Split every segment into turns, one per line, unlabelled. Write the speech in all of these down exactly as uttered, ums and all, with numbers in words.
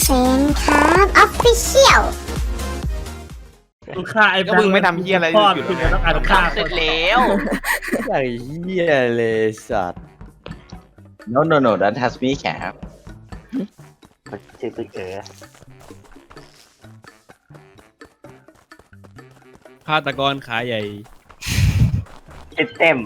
ฟนครับออฟฟิเชียล
ลูกค้าไอ้ก็มึงไม่ทำเฮียอะไรอยู่คุณต้องการฆ่าเสร็จแล้ว
ไอ้เหี้ยเลยสัตว์
no no no that has me แขก
ชื่อตึกเอ๋
ฆาตกรขาใหญ่
เต็มเต็ม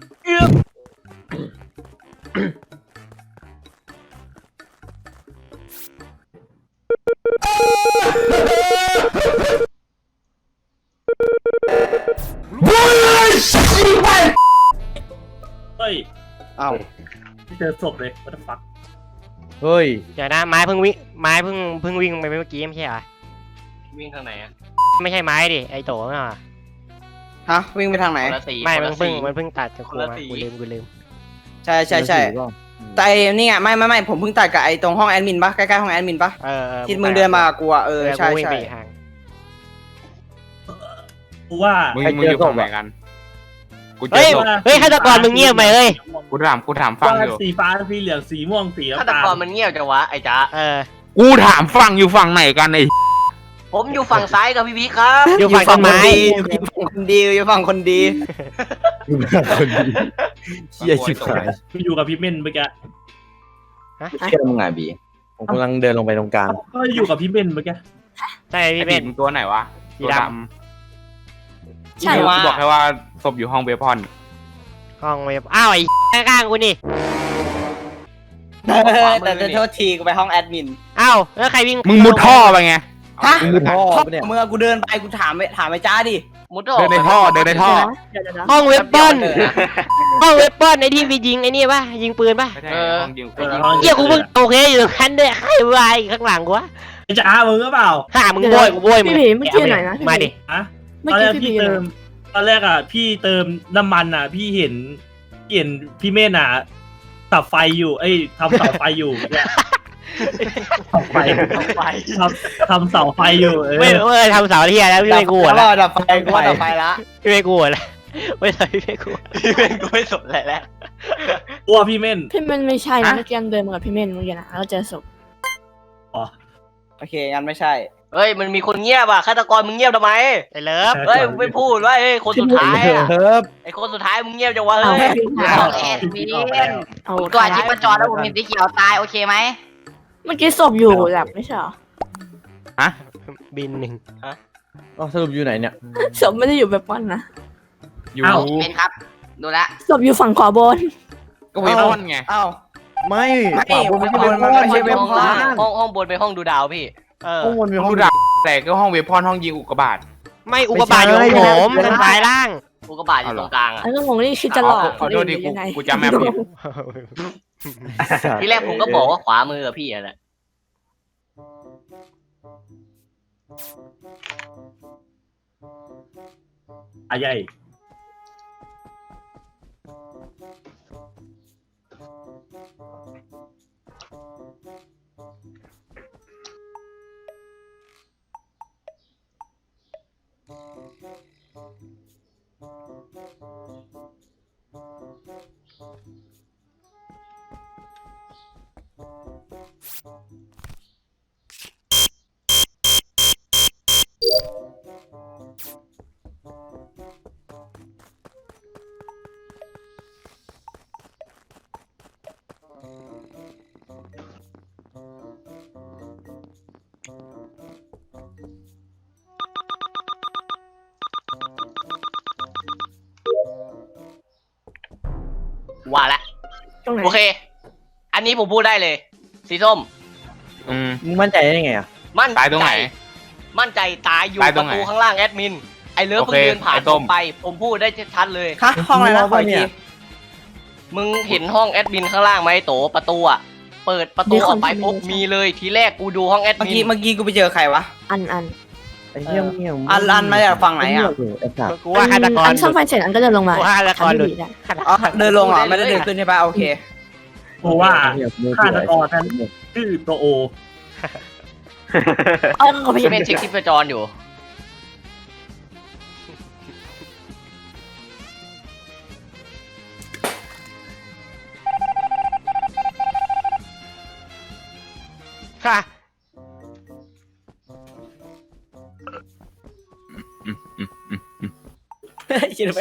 เฮ้ย
อ้าว
ที่เจอศพเลย what the fuck
เฮ้ย
เดี๋ยวนะไม้เพิ่งวิ่งไม้เพิ่งเพิ่งวิ่งไปเมื่อกี้ไม่ใช่เหรอ
วิ่งทางไหนอะ
ไม่ใช่ไม้ดิไอโตน่ะ
ฮะวิ่งไปทางไหน
ไม่มันเพิ่งมันเพิ่งตัดจากครูมากูลืมกูลืม
ใช่ใช่ใช่แต่ไอ้นี่ไงไม่ไม่ไม่ผมเพิ่งตัดกับไอ้ตรงห้องแอดมินปะใกล้ๆห้องแอดมินปะ
เออเออ
ที่มึงเดินมากับกูอะเออใช่
วิ่ง
ใช่
ไปอีกทาง
กูว่า
มึงมึงอยู่ฝั่งไหนกันกูเจ
เฮ้
อย ศพ
เฮ้ยฆาตกรมึงเงียบไปเฮ้ย
กูถามกูถามฟังอยู่
สีฟ้าสีเหลืองสีม่วงสี
ฆา
น้ำ
ต
ตาก ล
รมันเงียบจังวะไอ้จ๊ะ
เออ
กูถามฟังอยู่ฝั่งไหนกันไอ้
ผมอยู่ฝั่งซ้ายกับพี่พีครับ
อยู่ฝั่งต้นไม้
อยู่ฝั่งคนดีอยู่ฝั่งคนดี
คนดีเหี้ยชิบหาย
กูอยู่กับพี่เม่นเมื่อกี้
เชื่อมึงไงบี
ผมกำลังเดินลงไปตรงกลาง
ก็อยู่กับพี่เม่นเมื่อกี้
ใช่
ไอ้
พี่
เป็
เป็น
นตัวไหนวะ
สี
ตัว
ด
ดำ
ใช่
กู
ว่า
บอกแค่ว่าศพอยู่ห้องเบพอน
ห้องเว็บอ้าวไอ้ข้างๆกูนี่
แต่จะโทษทีกูไปห้องแอดมิน
อ้าวแล้วใครวิ่ง
มึงมุดท่อไปไง
ฮะ
มึงมุดท่อ
พ่อ
ปะเนี่ย
เมื่อกูเดินไปกูถามไปถามไอ้จ้าดิ
มุด
เดินในท่อเดินในท่อ
ห้องเว็บปอนห้องเว็บปอนไอ้ที่ไปยิงไอ้นี่ป่ะยิงปืนป่ะ
ไม่ใช่ห้องยิง
เออห้อง
เกี่ยกูเพิ่งโอเคอยู่ตรงนั้นด้วยใครวายข้างหลังกูวะ
ไอ้จ้ามึงก็เปล่า
ข้ามึงโบยกูโบยมึง
พี่ผีเมื่อกี้หน่อยนะพี่ผี
มาดิ
ฮะ
เมื่
ต
อ
อนแร
กี้
ก
พี่
พี่
ผี
เติมตอนแรกอ่ะพี่เติมน้ำมันอ่ะ พี่เห็นเห็นพี่เม่นอ่ะตับไฟอยู่เอ้ยทำเสาไฟอยู่เนี่ยเสาไฟ
ไฟ
ทำทำเสาไฟอยู่เอ
ไม่
อ
ไม่ทำเสาเทียแล้วพี่ไม่กลัว
แล้ว
แล้ว
ดับไฟกูว่าดับไฟละ
พี่ไม่กลัวแล้วไม่ใช่พี่ไม่กลัว
พี่เป็นกูไม่สนอะไรแล้ว
กลัวพี่เม่น
พี่เม่นไม่ใช่นะเมื่อกี้เดินมากับพี่เม่นเมื่อกี้นะแล้วเจอศพ
อ๋อ
โอเคงั้นไม่ใช่
เฮ้ยมันมีคนเงียบอ่ะฆาตกรมึงเงียบทำไม
ไอ้เลิฟ
เฮ้ยมึงไม่พูดว่าเฮ้ยคนสุดท้ายอ่ะ
เฮิร์บ
ไอ้คนสุดท้ายมึงเงียบจังวะ
เอา
เฮ้ย
เอา
แอดมิน
เอา
ตัวชิปมันจอแล้วผมเห็นสีเขียวตายโอเคไหม
เมื่อกี้ศพอยู่แบบไม่ใช่เหรอ
บินหนึ่ง
อ๋อสรุปอยู่ไหนเนี่ย
ศพไม่ได้อยู่แบบวันนะ
อยู่
เป็นครับ ดูแล
ศพอยู่ฝั่งขวาบน
ก็เบพอนไง
อ้าว
ไม่
ไม่
ขวาบนไม่ใช่
ขวาบนมันไม่ใช่เว็บ
ห้องล่างห้องห้องบนไปห้องดูดาวพี่
เออ
ห้องบนมี
ห้
ห้
อ
อง ง
ดูดาวแต่ก็ห้องเวพอนห้องยิงอุกกาบาต
ไม่อุกกาบาตอยู่ของผมทางซ้ายล่าง
กูกระบาดอยู่ตรงกลางอ่ะ
แล้วก็งงนี่คือจะหลอก
ขอโทษดิกูกูจำแม่ผิด
ที่แรกผมก็บอกว่าขวามือกับพี่อะแหละ
อาใหญ่
ว่าละ
ตรงไหน
โอเค อันนี้ผมพูดได้เลย สีส้ม
อืม
มึงมั่นใจได้ไงอ่ะ
มั่น
ตายตรงไหน
มั่นใจตายอยู่
ตาย
ป
ตรง
ระ
ไหน
ตูข้างล่างแอดมิน ไอเลิฟ
โอ
เพิ่
เค
งเดินผ่าน
ไอ้ส้
ผม มไป ผมพูดได้ชัดๆเลย
ฮะห้องอะไรนะขออีกที
มึงเห็นห้องแอดมินข้างล่างไหมโตประตูอ่ะ เปิดประตูออกไปปุ๊บมีเลยทีแรกกูดูห้องแอด
เมื่อ
มิ
กี้
น
เมื่อกี้กูไปเจอใครวะ
อันอัน
ไอ้เหี้ยเหี้ย
อันอันมาจากฝั่งไหนอะ
ไอ้สัตว์
กูว่าฆาตกร
อันซ่อมไฟเสร็จอันก็เดินลงมา
กูว่าฆาตกรหลุด
อันไม่ดีนะ
อ๋อเดินลงเหรอไม่ได้เดินขึ้นใช่ปะโอเค
เพราะว่า
เหี้ยมือ
ฆาตกร
ไอ้
นั้นชื่อตัวโอ
เออก็ไป
พี่
เห็น
เป็นเช็คชิปจรอยู่
ค่ะ
คิดไหม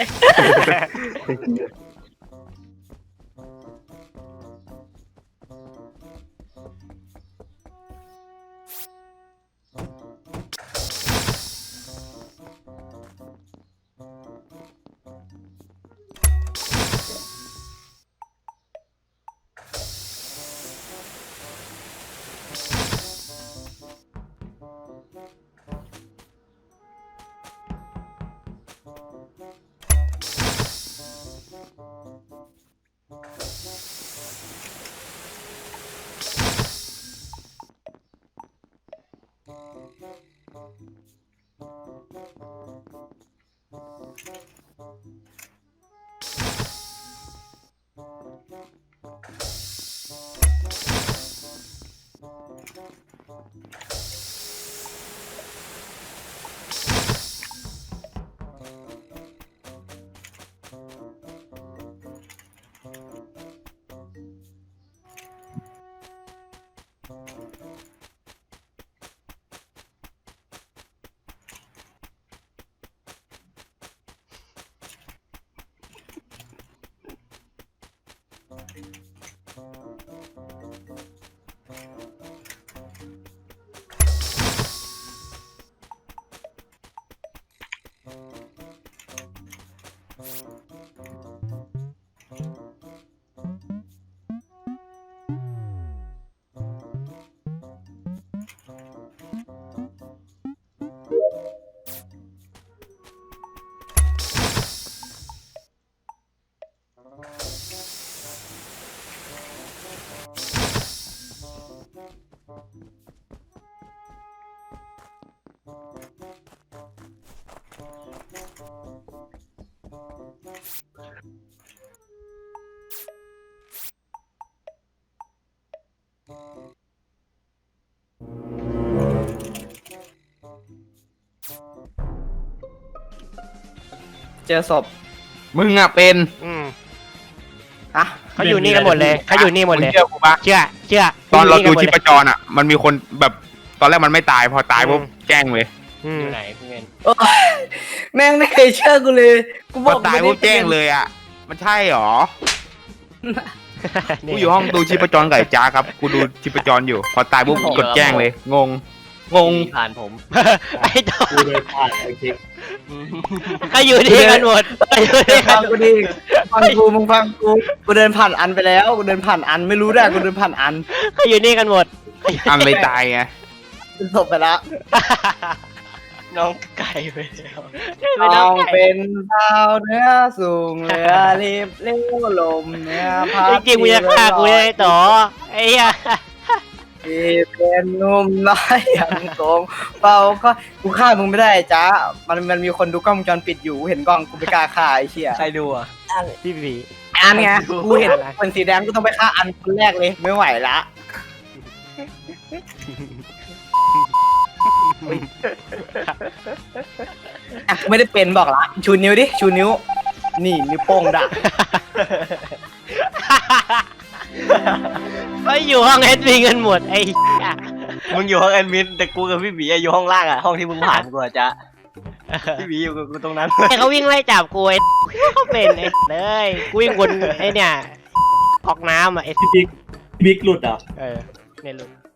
เจอศพ
มึงอ่ะเป็น
อืม
อะ
เขาอยู่นี่กันหมดเลยเขาอยู่นี่หมด
มึ
เล
ง
ย
เชื่อกูปะ
เชื่อเชื่อ
ตอนเราดู
ข
ชี
ยู่
พ
กัหม
จรอ่ะ มันมีคนแบบตอนแรกมันไม่ตายพอตายปุ๊บแจ้งเลย
อืม
อยู่ไหนพี่เมน
โอ๊ยแม่งไม่เคยเชื่อกูเลย กูบ
พ
อ
อก ตายปุ๊บแจ้งเลยอ่ะ มันใช่หรอ กูอยู่ห้องดูชีพจรไก่จ้าครับ กูดูชีพจรอยู่ พอตายปุ๊บกดแจ้งเลย งง งง
ผ่านผม
ไอ้ตัว
กูเลยผ่านโอเค
เขาอยู่นี่กันหมดเขาอยู่นี่กั
ฟั
น
งกูดิฟังกูมึงฟังกู กูเดินผ่านอันไปแล้ว กูเดินผ่านอันไม่รู้ได้กูเดินผ่านอัน
เขาอยู่นี่กันหมด
อันเลยตายไง
เป็นศพไปแล้ว
น้องไก่ไปแล้ว
ต้องเป็นดาวเนื้อสูงเรือรีบเลี้ยวลมเนื้อพัด
จริงๆมึงจะฆ่ากูยังไงต่อไอ้เหี้ย
ที่เป็นหนุ่มน้อยอย่างโกงเป่าก็กูฆ่ามึงไม่ได้จ้ามันมันมีคนดูกล้องวงจรปิดอยู่เห็นกล้องกูไม่กล้าฆ่าไอ้เชี่ย
ใครดูอ่ะ
พี่บี
อันไงกูเห็นคนสีแดงกูต้องไปฆ่าอันคนแรกเลยไม่ไหวละอ่ะกูไม่ได้เป็นบอกละชูนิ้วดิชูนิ้ว นี่นิ้วโป้งด่ะ
เขาอยู่ห้องเอสบีกันหมดไอ้เหี้ย
มึงอยู่ห้องแอดมินแต่กูกับพี่บีอะอยู่ห้องล่างอ่ะห้องที่มึงผ่านกูอะจ๊ะพี่บีอยู่กับกูตรงนั้น
ไอ้เขาวิ่งไล่จับกูไอ้เขาเป็นไอ้เลยกูวิ่งวนไอ้เนี่ยออกน้ำอ่ะไอ้
พี่บิ๊กพี่บิ๊กหลุดเหรอ่ะ
เออเนี่ยลุง